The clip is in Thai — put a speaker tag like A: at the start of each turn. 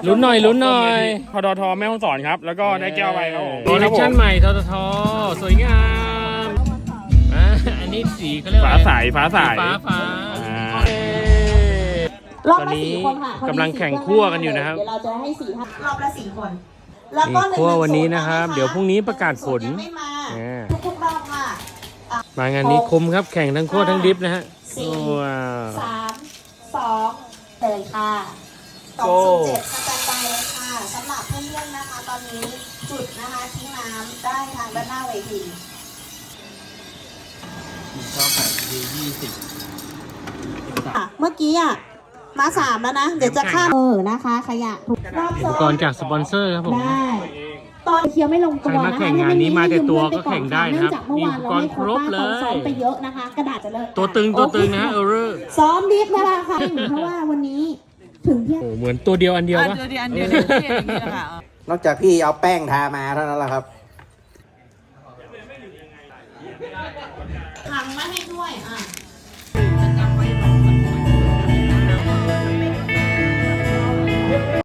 A: ลุ้นหน่อยพดทแม่ฮ่องสอนครับแล้วก็ได้แก้วไปครับคอลเลคชั่นใหม่ททสวยงามอันนี้สีเขาเรียกฟ้าใสฟ้ารอบละ4 คนค่ะกำลังแข่งคั่วกันอยู่นะครับ
B: เดี๋ยวเราจะให้4 ท่านรอบละ4 คนแล้วก็
A: คั่ววันนี้นะครับเดี๋ยวพรุ่งนี้ประกาศผล
B: ทุกรอบค่ะ
A: มางานนี้คุ้มครับแข่งทั้งคั่วทั้งดิฟนะฮะ
B: 3 2เลยค่ะ207สแตนบายเลยค่ะสำหรับเพื่อนๆนะคะตอนนี้จุดนะคะทิ้งน้ำได้ทางด้านหน้าเวที
A: ชอบแบบ
B: เมื่อกี้มา3แล้วนะเดี๋ยวจะข้ามนะคะขยะถูกรอบ
A: อุปกรณ์จากสปอนเซอร์ครับผม
B: ได้ตอนเคียวไม่ลงตัวนะคะ
A: แข่งงานนี้มาแต่ตัวก็แข่งได้นะครับ
B: มีอุปกรณ์ครบเลยซ้อมไปเยอะนะคะกระดาษจะเลิก
A: ตัวตึงนะ
B: ซ้อมดิฟนะคะเพราะว่าวันนี้ถึงที่
A: เหมือนตัวเดียวอันเดียวปะ
C: นอกจากพี่เอาแป้งทามาเท่านั้นแหละครับ
B: ถังมาให้ด้วย